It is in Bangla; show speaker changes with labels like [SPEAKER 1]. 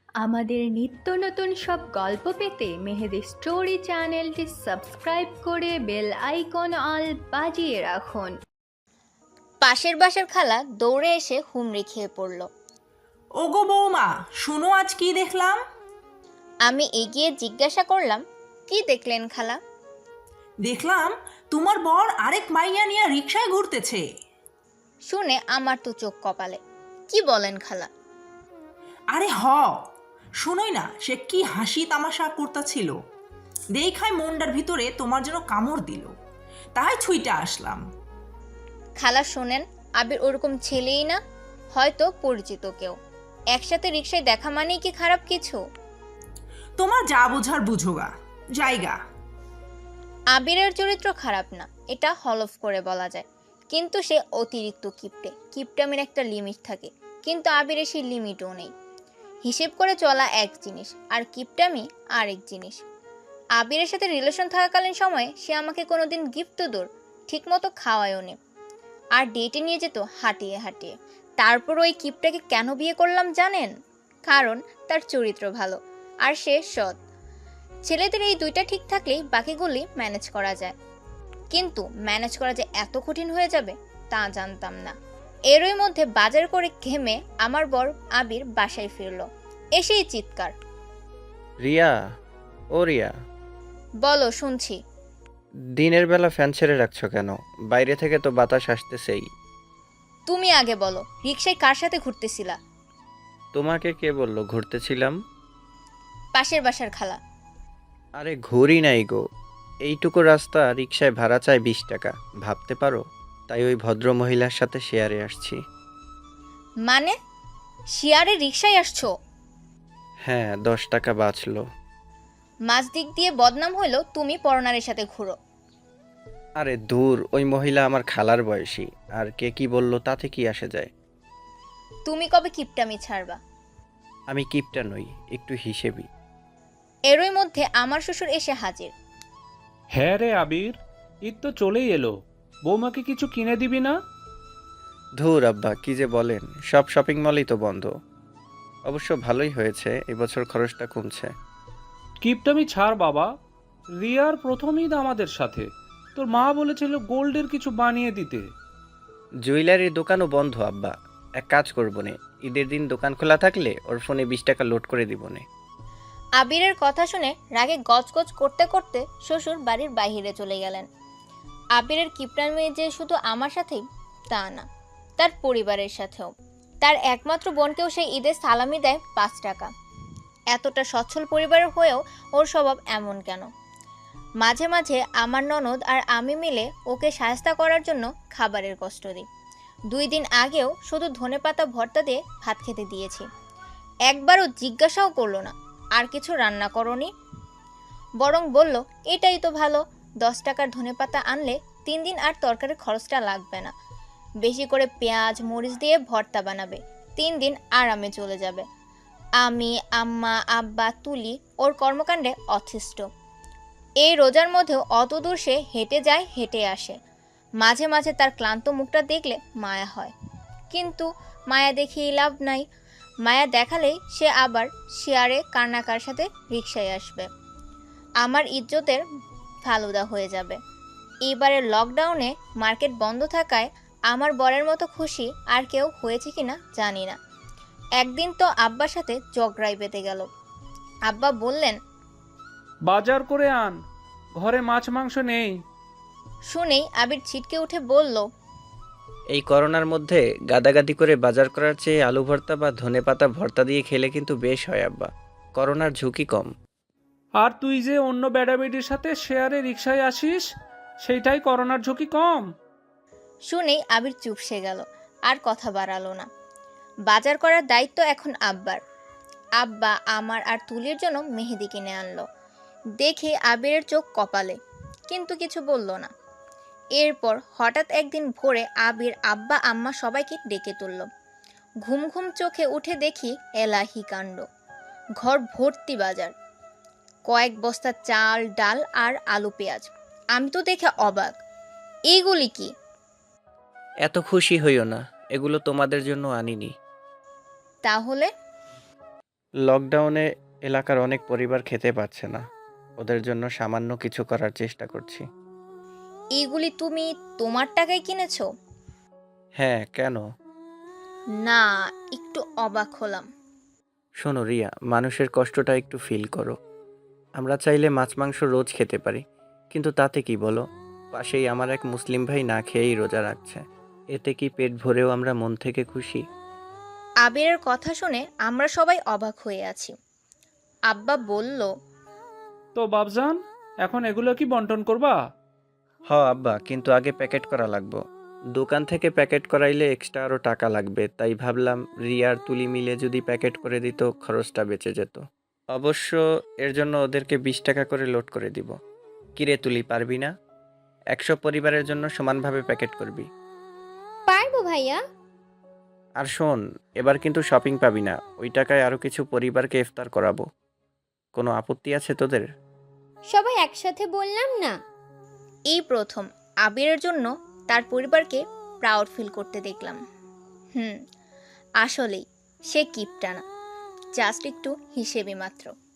[SPEAKER 1] আমাদের নিত্য নতুন সব গল্প পেতে মেহেদি স্টোরি চ্যানেলটি সাবস্ক্রাইব করে বেল আইকন অল বাজিয়ে রাখুন।
[SPEAKER 2] পাশের বাসার খালা দৌড়ে এসে হুমড়ি খেয়ে পড়ল।
[SPEAKER 3] ওগো বৌমা, শুনো আজ কি দেখলাম।
[SPEAKER 2] আমি এগিয়ে জিজ্ঞাসা করলাম, কি দেখলেন খালা?
[SPEAKER 3] দেখলাম তোমার বর আরেক মাইয়া নিয়ে রিকশায় ঘুরতেছে।
[SPEAKER 2] শুনে আমার তো চোখ কপালে। কি বলেন খালা?
[SPEAKER 3] আরে শুনোই না, সে কি হাসি তামাশা করতেছিল। দেখায় মনটার ভিতরে তোমার জন্য কামড় দিল, তাই ছুঁইটা আসলাম।
[SPEAKER 2] খালা শোনেন, আবির ওরকম ছেলেই না, হয়তো পরিচিত কেউ। একসাথে রিকশায় দেখা মানেই কি খারাপ কিছু?
[SPEAKER 3] তোমার যা বোঝার বুঝোগা, জায়গা।
[SPEAKER 2] আবিরের চরিত্র খারাপ না, এটা হলফ করে বলা যায়, কিন্তু সে অতিরিক্ত কিপটে। কিপটামির একটা লিমিট থাকে, কিন্তু আবিরের সেই লিমিটও নেই। হিসেব করে চলা এক জিনিস, আর কিপটামি আরেক জিনিস। আবিরের সাথে রিলেশন থাকাকালীন সময়ে সে আমাকে কোনোদিন গিফট তো দূর, ঠিক মতো খাওয়ায়ও নি। আর ডেটে নিয়ে যেত হাঁটিয়ে হাঁটিয়ে। তারপর ওই কিপটাকে কেন বিয়ে করলাম জানেন? কারণ তার চরিত্র ভালো, আর সে সৎ। ছেলেদের এই দুইটা ঠিক থাকলেই বাকিগুলি ম্যানেজ করা যায়, কিন্তু ম্যানেজ করা যে এত কঠিন হয়ে যাবে তা জানতাম না। এরই মধ্যে বাজার করে ঘেমে আমার বর আবির বাসায় ফিরল। এসেই চিৎকার,
[SPEAKER 4] রিয়া, ও রিয়া,
[SPEAKER 2] বলো শুনছি।
[SPEAKER 4] দিনের বেলা ফ্যান ছেড়ে রাখছো কেন? বাইরে থেকে তো বাতাস আসতেছেই।
[SPEAKER 2] তুমি আগে বলো, রিকশায় কার সাথে ঘুরতেছিলা?
[SPEAKER 4] তোমাকে কে বললো ঘুরতেছিলাম?
[SPEAKER 2] পাশের বাসার খালা।
[SPEAKER 4] আরে ঘুরি নাই গো, এইটুকু রাস্তা রিকশায় ভাড়া চায় 20 টাকা, ভাবতে পারো? তাই ওই ভদ্র মহিলার সাথে শেয়ারে আসছি।
[SPEAKER 2] মানে শিয়ারে রিকশায় আসছো?
[SPEAKER 4] হ্যাঁ, 10 টাকা বাঁচলো।
[SPEAKER 2] মাঝ দিক দিয়ে বদনাম হইলো তুমি পরনারের সাথে ঘুরো।
[SPEAKER 4] আরে দূর, ওই মহিলা আমার খালার বয়সী, আর কে কি বললো তাতে কি আসে যায়।
[SPEAKER 2] তুমি কবে কিপটামি ছাড়বা?
[SPEAKER 4] আমি কিপটা নই, একটু হিসেবি।
[SPEAKER 2] এরই মধ্যে আমার শ্বশুর এসে হাজির।
[SPEAKER 5] হ্যাঁ রে আবির, ঈদ তো চলেই এলো, বৌমাকে কিছু কিনে দিবি না?
[SPEAKER 4] ধুর আব্বা, কি যে বলেন, সব শপিং মলই তো বন্ধ। অবশ্য ভালোই হয়েছে, এবছর খরচটা কমছে।
[SPEAKER 5] কিপটামি ছাড় বাবা, রিয়ার প্রথম ঈদ আমাদের সাথে, তোর মা বলেছিল গোল্ডের কিছু বানিয়ে দিতে।
[SPEAKER 4] জুয়েলারির দোকানও বন্ধ আব্বা। এক কাজ করবো নে, ঈদের দিন দোকান খোলা থাকলে ওর ফোনে 20 টাকা লোড করে দিব নে।
[SPEAKER 2] আবিরের কথা শুনে রাগে গজগজ করতে করতে শ্বশুর বাড়ির বাইরে চলে গেলেন। আবিরের কিপটামি যে শুধু আমার সাথেই তা না, তার পরিবারের সাথেও। তার একমাত্র বোনকেও সেই ঈদে সালামি দেয় 5 টাকা। এতটা সচ্ছল পরিবারের হয়েও ওর স্বভাব এমন কেন? মাঝে মাঝে আমার ননদ আর আমি মিলে ওকে শায়েস্তা করার জন্য খাবারের কষ্ট দিই। 2 দিন আগেও শুধু ধনেপাতা ভর্তা দিয়ে ভাত খেতে দিয়েছি। একবারও জিজ্ঞাসাও করলো না আর কিছু রান্না করনি, বরং বলল এটাই তো ভালো, 10 টাকার ধনেপাতা আনলে 3 দিন আর তরকারির খরচটা লাগবে না। বেশি করে পেঁয়াজ মরিচ দিয়ে ভর্তা বানাবে, 3 দিন আরামে চলে যাবে। আমি, আম্মা, আব্বা, তুলি ওর কর্মকাণ্ডে অতিষ্ঠ। এই রোজার মধ্যেও অত দূর সে হেঁটে যায় হেঁটে আসে। মাঝে মাঝে তার ক্লান্ত মুখটা দেখলে মায়া হয়, কিন্তু মায়া দেখিয়ে লাভ নাই। মায়া দেখালেই সে আবার শেয়ারে কান্নাকার সাথে রিকশায় আসবে। আমার ইজ্জতের ফালুদা হয়ে যাবে। এবারের লকডাউনে মার্কেট বন্ধ থাকায় আমার বরের মতো খুশি আর কেউ হয়েছে কিনা জানি না। একদিন তো আব্বার সাথে ঝগড়ায় পেতে গেল। আব্বা বললেন,
[SPEAKER 5] বাজার করে আন, ঘরে মাছ মাংস নেই।
[SPEAKER 2] শুনেই আবির ছিটকে উঠে বলল,
[SPEAKER 4] এই করোনার মধ্যে গাদাগাদি করে বাজার করার চেয়ে আলু ভর্তা বা ধনেপাতা ভর্তা দিয়ে খেলে কিন্তু বেশ হয় আব্বা। করোনার ঝুঁকি কম।
[SPEAKER 5] আর তুই যে অন্য বেড়াবেড়ির সাথে শেয়ারে রিকশায় আসিস, সেইটাই করোনার ঝুঁকি কম।
[SPEAKER 2] শুনেই আবির চুপসে গেল, আর কথা বাড়ালো না। বাজার করার দায়িত্ব এখন আব্বার। আব্বা আমার আর তুলির জন্য মেহেদি কিনে আনলো। দেখে আবিরের চোখ কপালে, কিন্তু কিছু বলল না। এরপর হঠাৎ একদিন ভোরে আবির আব্বা আম্মা সবাইকে ডেকে তুলল। ঘুম ঘুম চোখে উঠে দেখি এলাহি কাণ্ড। ঘর ভর্তি বাজার, কয়েক বস্তা চাল ডাল আর আলু পেঁয়াজ। আমি তো দেখে অবাক, এইগুলি কি?
[SPEAKER 4] এত খুশি হইও না, এগুলো তোমাদের জন্য আনিনি।
[SPEAKER 2] তাহলে?
[SPEAKER 4] লকডাউনে এলাকার অনেক পরিবার খেতে পাচ্ছে না, ওদের জন্য সামান্য কিছু করার চেষ্টা করছি।
[SPEAKER 2] এইগুলি তুমি তোমার টাকায় কিনেছো?
[SPEAKER 4] হ্যাঁ, কেন?
[SPEAKER 2] না, একটু অবাক হলাম।
[SPEAKER 4] শোনো রিয়া, মানুষের কষ্টটা একটু ফিল করো। আমরা চাইলে মাছ মাংস রোজ খেতে পারি, কিন্তু তাতে কি বলো? পাশেই আমার এক মুসলিম ভাই না খেয়েই রোজা রাখছে। এতে কি পেট ভরেও আমরা মন থেকে খুশি?
[SPEAKER 2] আবিরের কথা শুনে আমরা সবাই অবাক হয়ে আছি। আব্বা বলল,
[SPEAKER 5] তো বাবজান, এখন এগুলো কি বন্টন করবা?
[SPEAKER 4] আব্বা, কিন্তু আগে প্যাকেট করা লাগবে। দোকান থেকে প্যাকেট করাইলে এক্সট্রা আরও টাকা লাগবে, তাই ভাবলাম রিয়ার তুলি মিলে যদি প্যাকেট করে দিত খরচটা বেঁচে যেত। অবশ্য এর জন্য ওদেরকে 20 টাকা করে লোড করে দিব। কিরে তুলি, পারবি না? 100 পরিবারের জন্য সমানভাবে প্যাকেট করবি।
[SPEAKER 6] পারবো ভাইয়া।
[SPEAKER 4] আর শোন, এবার কিন্তু শপিং পাবি না, ওই টাকায় আরও কিছু পরিবারকে ইফতার করাবো। কোনো আপত্তি আছে তোদের?
[SPEAKER 6] সবাই একসাথে বললাম না।
[SPEAKER 2] এই প্রথম আবিরের জন্য তার পরিবারকে প্রাউড ফিল করতে দেখলাম। আসলেই সে কিপটা না, জাস্ট একটু হিসেবে মাত্র।